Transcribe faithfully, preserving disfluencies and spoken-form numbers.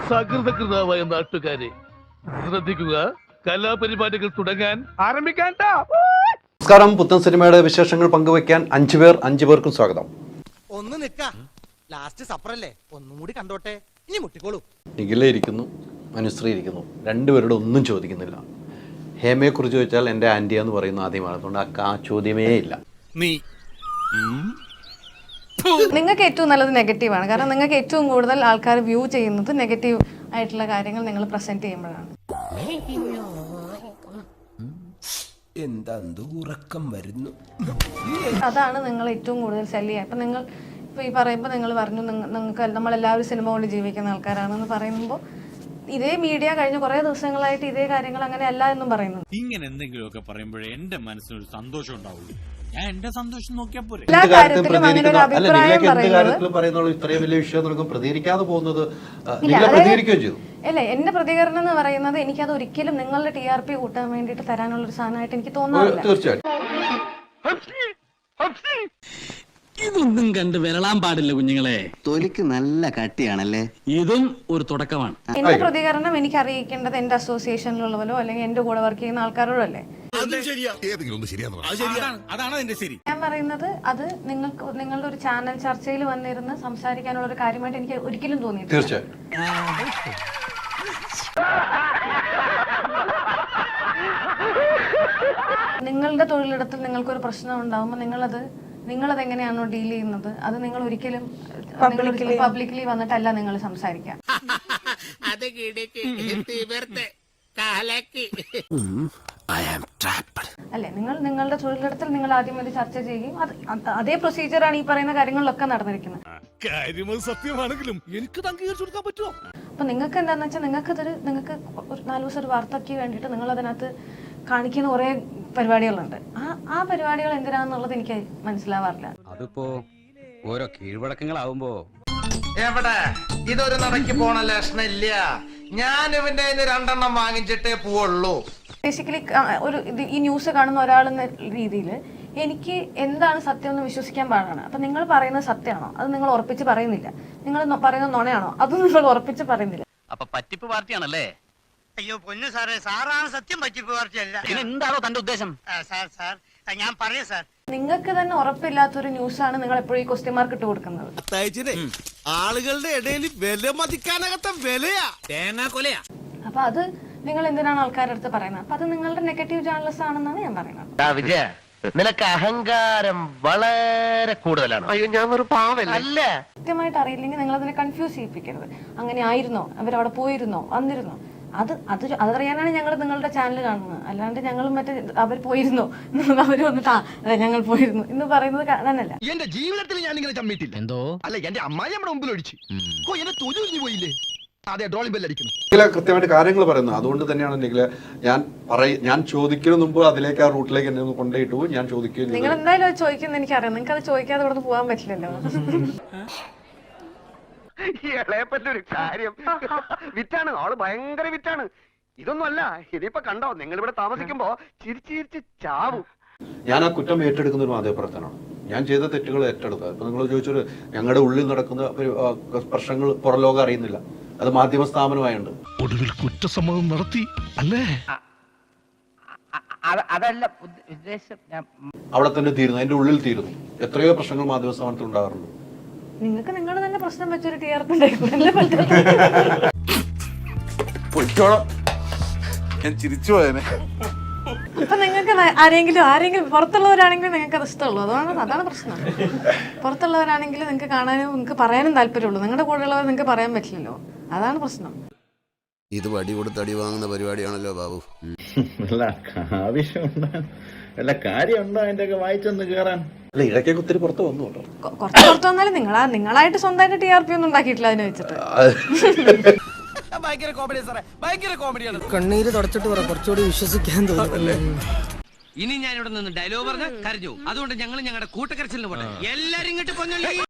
സകൃതകൃതാവായ നാട്ടുകാരെ ശ്രദ്ധിക്കുക, കലാപരിപാടികൾ തുടങ്ങാൻ ആരംഭിക്കാൻ. നമസ്കാരം. പുത്തൻ സിനിമയുടെ വിശേഷങ്ങൾ പങ്കുവയ്ക്കാൻ അഞ്ചു പേർ അഞ്ചു പേർക്കും സ്വാഗതം. ഒന്ന് നിക്ക, ലാസ്റ്റ് സപ്പറല്ലേ, ഒന്നും കൂടി കണ്ടോട്ടെ, ഇനി മുട്ടിക്കോളൂ. നിഖില ഇരിക്കുന്നു, അനുശ്രീ ഇരിക്കുന്നു, രണ്ടുപേരുടെ ഒന്നും ചോദിക്കുന്നില്ല. ഹേമയെ കുറിച്ച് ചോദിച്ചാൽ എൻ്റെ ആന്റിയാന്ന് പറയുന്ന ആദ്യമാണ്, അതുകൊണ്ട് ആ ചോദ്യമേ ഇല്ല. നീ നിങ്ങൾക്ക് ഏറ്റവും നല്ലത് നെഗറ്റീവാണ്, കാരണം നിങ്ങൾക്ക് ഏറ്റവും കൂടുതൽ ആൾക്കാർ വ്യൂ ചെയ്യുന്നത് നെഗറ്റീവ് ആയിട്ടുള്ള കാര്യങ്ങൾ നിങ്ങൾ പ്രസന്റ് ചെയ്യുമ്പോഴാണ്. എന്താ ഉറക്കം വരുന്നു, അതാണ് നിങ്ങൾ ഏറ്റവും കൂടുതൽ സെല് ചെയ്യുക. ഇപ്പം നിങ്ങൾ ഇപ്പോൾ ഈ പറയുമ്പോൾ നിങ്ങൾ പറഞ്ഞു നിങ്ങൾക്ക് നമ്മളെല്ലാവരും സിനിമ കൊണ്ട് ജീവിക്കുന്ന ആൾക്കാരാണെന്ന് പറയുമ്പോൾ ഇതേ മീഡിയ കഴിഞ്ഞ കുറേ ദിവസങ്ങളായിട്ട് ഇതേ കാര്യങ്ങൾ അങ്ങനെ അല്ല എന്നും പറയുന്നു. ഇങ്ങനെ എന്തെങ്കിലുമൊക്കെ പറയുമ്പോഴേ എന്റെ മനസ്സിനൊരു സന്തോഷം ഉണ്ടാവുള്ളൂ. ഞാൻ എന്റെ സന്തോഷം നോക്കിയാ പോരെ. എല്ലാ കാര്യത്തിലും അങ്ങനെ ഒരു അഭിപ്രായം പറയുന്നത് ഇത്രയും വലിയ വിഷയം നടക്കും പ്രതികരിക്കാതെ പോകുന്നത് പ്രതികരിക്കുകയും ചെയ്തു. അല്ലേ, എന്റെ പ്രതികരണം എന്ന് പറയുന്നത് എനിക്കത് ഒരിക്കലും നിങ്ങളുടെ ടി ആർ പി കൂട്ടാൻ വേണ്ടിയിട്ട് തരാനുള്ള ഒരു സാധനമായിട്ട് എനിക്ക് തോന്നാറില്ല. തീർച്ചയായിട്ടും ഇതൊന്നും കണ്ട് വിരളാൻ പാടില്ല കുഞ്ഞുങ്ങളെ. തൊലിക്ക് നല്ല കട്ടിയാണല്ലേ. ഇതും ഒരു തുടക്കമാണ്. എന്റെ പ്രതികരണം എനിക്ക് അറിയിക്കേണ്ടത് എന്റെ അസോസിയേഷനിലുള്ളവരോ അല്ലെങ്കിൽ എന്റെ കൂടെ വർക്ക് ചെയ്യുന്ന ആൾക്കാരോടോ അല്ലേ. അതാണ് അതിന്റെ ശരി. ഞാൻ പറയുന്നത് അത് നിങ്ങൾക്ക് നിങ്ങളുടെ ഒരു ചാനൽ ചർച്ചയിൽ വന്നിരുന്ന് സംസാരിക്കാനുള്ള ഒരു കാര്യമായിട്ട് എനിക്ക് ഒരിക്കലും തോന്നിയിട്ടില്ല. തീർച്ചയായും നിങ്ങളുടെ തൊഴിലിടത്തിൽ നിങ്ങൾക്കൊരു പ്രശ്നം ഉണ്ടാകുമ്പോൾ നിങ്ങളത് നിങ്ങളത് എങ്ങനെയാണോ ഡീൽ ചെയ്യുന്നത് അത് നിങ്ങൾ ഒരിക്കലും പബ്ലിക്കലി വന്നിട്ടല്ല നിങ്ങൾ സംസാരിക്കാം. അല്ലെ, നിങ്ങൾ നിങ്ങളുടെ തൊഴിലിടത്തിൽ നിങ്ങൾ ആദ്യം ഒരു ചർച്ച ചെയ്യും. അത് അതേ പ്രൊസീജിയറാണ് ഈ പറയുന്ന കാര്യങ്ങളിലൊക്കെ നടന്നിരിക്കുന്നത്. സത്യമാണെങ്കിലും എനിക്ക് അംഗീകരിച്ചു കൊടുക്കാൻ പറ്റുമോ? അപ്പൊ നിങ്ങൾക്ക് എന്താന്ന് വെച്ചാൽ നിങ്ങൾക്ക് ഇതൊരു നിങ്ങൾക്ക് ഒരു നാല് ദിവസം ഒരു വാർത്തയ്ക്ക് വേണ്ടിയിട്ട് നിങ്ങൾ അതിനകത്ത് കാണിക്കുന്ന കുറെ പരിപാടികളുണ്ട്. ആ ആ പരിപാടികൾ എന്തിനാന്നുള്ളത് എനിക്ക് മനസ്സിലാവാറില്ല. അതിപ്പോ ഓരോ കീഴ്വഴക്കങ്ങളാവുമ്പോ എവിടെ ഇതൊരു നടക്കി പോണ ലക്ഷണില്ല. ഞാൻ ഇവന്റെ രണ്ടെണ്ണം വാങ്ങിച്ചിട്ടേ പോവുള്ളൂ. ബേസിക്കലി ഒരു ഈ ന്യൂസ് കാണുന്ന ഒരാളെന്ന രീതിയിൽ എനിക്ക് എന്താണ് സത്യം എന്ന് വിശ്വസിക്കാൻ പാടാണ്. അപ്പൊ നിങ്ങൾ പറയുന്നത് സത്യമാണോ അത് നിങ്ങൾ ഉറപ്പിച്ച് പറയുന്നില്ല, നിങ്ങൾ പറയുന്നത് നുണയാണോ അതും നിങ്ങൾ ഉറപ്പിച്ച് പറയുന്നില്ല. അപ്പൊ പറ്റിപ്പ് പാർട്ടിയാണല്ലേ? അയ്യോ പൊന്നു സാറേ, സാറാണ് സത്യം പറ്റിപ്പ് പാർട്ടിയല്ല. എന്താണോ തന്റെ ഉദ്ദേശം? സാർ സാർ ഞാൻ പറയാം സാർ, നിങ്ങൾക്ക് തന്നെ ഉറപ്പില്ലാത്തൊരു ന്യൂസാണ് നിങ്ങൾ എപ്പോഴും ഈ ക്വസ്റ്റ്യൻ മാർക്ക് ഇട്ട് കൊടുക്കുന്നത്. ആളുകളുടെ ഇടയിൽ വില മതിക്കാനകത്ത വിലയാ തേങ്ങ കൊലയാ. അപ്പൊ അത് നിങ്ങൾ എന്തിനാണ് ആൾക്കാരുടെ അടുത്ത് പറയുന്നത്? അപ്പൊ അത് നിങ്ങളുടെ നെഗറ്റീവ് ജേർണലിസ്റ്റ് ആണെന്നാണ് ഞാൻ പറയുന്നത്. വിജയ, നിനക്ക് അഹങ്കാരം വളരെ കൂടുതലാണ്. അയ്യോ, ഞാൻ ഒരു പാവല്ല. അല്ല, കൃത്യമായിട്ട് അറിയില്ലെങ്കിൽ നിങ്ങൾ അതിനെ കൺഫ്യൂസ് ചെയ്യിപ്പിക്കരുത്. അങ്ങനെ ആയിരുന്നോ, അവരവിടെ പോയിരുന്നോ, വന്നിരുന്നോ, അത് അത് അതറിയാനാണ് ഞങ്ങൾ നിങ്ങളുടെ ചാനൽ കാണുന്നത്. അല്ലാണ്ട് ഞങ്ങൾ മറ്റേ അവർ പോയിരുന്നോ അവര് വന്നിട്ട് ആ ഞങ്ങൾ പോയിരുന്നു എന്ന് പറയുന്നത് കാണാനല്ല. എന്റെ ജീവിതത്തിൽ ഞാൻ ഇങ്ങനെ ചമ്മിട്ടില്ല. എന്തോ അല്ല, എന്റെ അമ്മായി നമ്മുടെ മുമ്പിൽ ഒഴിച്ചു എന്നെ തൊഴിൽ പോയില്ലേ. അതെ, ഡ്രോളിംഗ് ബെല്ലടിക്കുന്നു. നിഖില കൃത്യമായിട്ട് കാര്യങ്ങൾ പറയുന്നത്. അതുകൊണ്ട് തന്നെയാണ് നിഖില ഞാൻ പറയ ഞാൻ ചോദിക്കുന്നതിന് മുമ്പ് അതിലേക്ക് ആ റൂട്ടിലേക്ക് എന്നെ ഒന്ന് കൊണ്ടുപോയിട്ടു ഞാൻ ചോദിക്കുകയും. നിങ്ങൾ എന്തായാലും അത് ചോദിക്കുന്നത് എനിക്കറിയാം. നിങ്ങൾക്ക് അത് ചോദിക്കാതെ ഇവിടെ പോകാൻ പറ്റില്ലല്ലോ. ഇളയപ്പറ്റൊരു കാര്യം വിറ്റാണ്, ആള് ഭയങ്കര വിറ്റാണ്. ഇതൊന്നും അല്ല, ഇതിപ്പോ കണ്ടോ നിങ്ങൾ ഇവിടെ താമസിക്കുമ്പോ ചിരിച്ച് ചിരിച്ച് ചാവും. ഞാൻ ആ കുറ്റം ഏറ്റെടുക്കുന്ന ഒരു മാധ്യമപ്രവർത്തനമാണ്. ഞാൻ ചെയ്ത തെറ്റുകൾ ഏറ്റെടുക്കുക. ഇപ്പൊ നിങ്ങൾ ചോദിച്ചൊരു ഞങ്ങളുടെ ഉള്ളിൽ നടക്കുന്ന പ്രശ്നങ്ങൾ പുറലോകം അറിയുന്നില്ല, അത് മാധ്യമ സ്ഥാപനമായുണ്ട്. ഒടുവിൽ കുറ്റസമ്മതം നടത്തി അല്ലേ? അതല്ല ഉദ്ദേശം. അവിടെ തന്നെ തീരുന്നു, അതിന്റെ ഉള്ളിൽ തീരുന്നു. എത്രയോ പ്രശ്നങ്ങൾ മാധ്യമ സ്ഥാപനത്തിൽ ഉണ്ടാകാറുണ്ട്. നിങ്ങൾക്ക് നിങ്ങൾ തന്നെ പ്രശ്നം വെച്ചൊരു ടി ആർ പി ഉണ്ടായിക്കൂടല്ലേ പറ്റും. ഞാൻ ചിരിച്ചു പോയനെ. അപ്പൊ നിങ്ങൾക്ക് ആരെങ്കിലും ആരെങ്കിലും പുറത്തുള്ളവരാണെങ്കിലും നിങ്ങൾക്ക് അത് ഇഷ്ടമുള്ളൂ. അതാണ് അതാണ് പ്രശ്നം. പുറത്തുള്ളവരാണെങ്കിലും നിങ്ങൾക്ക് കാണാനും നിങ്ങൾക്ക് പറയാനും താല്പര്യമുള്ളൂ. നിങ്ങളുടെ കൂടെയുള്ളവർ നിങ്ങൾക്ക് പറയാൻ പറ്റില്ലല്ലോ, അതാണ് പ്രശ്നം. ഇത് വടി കൊടുത്ത് അടി വാങ്ങുന്ന പരിപാടിയാണല്ലോ ബാബു. വല്ല കാര്യമുണ്ടോ അതിന്റെ ഒക്കെ വായിച്ചൊന്ന് കേറാൻ? അല്ല, ഇടയ്ക്കൊക്കെ ഒത്തിരി പുറത്ത് വന്നു കേട്ടോ. കുറച്ച് പുറത്ത് വന്നാലും നിങ്ങളാ നിങ്ങളായിട്ട് സ്വന്തമായിട്ട് ടി ആർ പി ഒന്നും ഉണ്ടാക്കിയിട്ടില്ല അതിനെ വെച്ചിട്ട്. ഭയങ്കര കോമഡി സാറേ, ഭയങ്കര കോമഡിയാണ്. കണ്ണീര് തുടച്ചിട്ട് പറ, കുറച്ചുകൂടി വിശ്വസിക്കാൻ തോന്നുന്നല്ലേ. ഇനി ഞാൻ ഇവിടെ നിന്ന് ഡയലോഗ് പറഞ്ഞ് കരഞ്ഞു. അതുകൊണ്ട് ഞങ്ങൾ ഞങ്ങളുടെ കൂട്ടക്കരച്ചിലിന് പോട്ടെ. എല്ലാരും ഇങ്ങോട്ട് പൊന്നല്ലേ.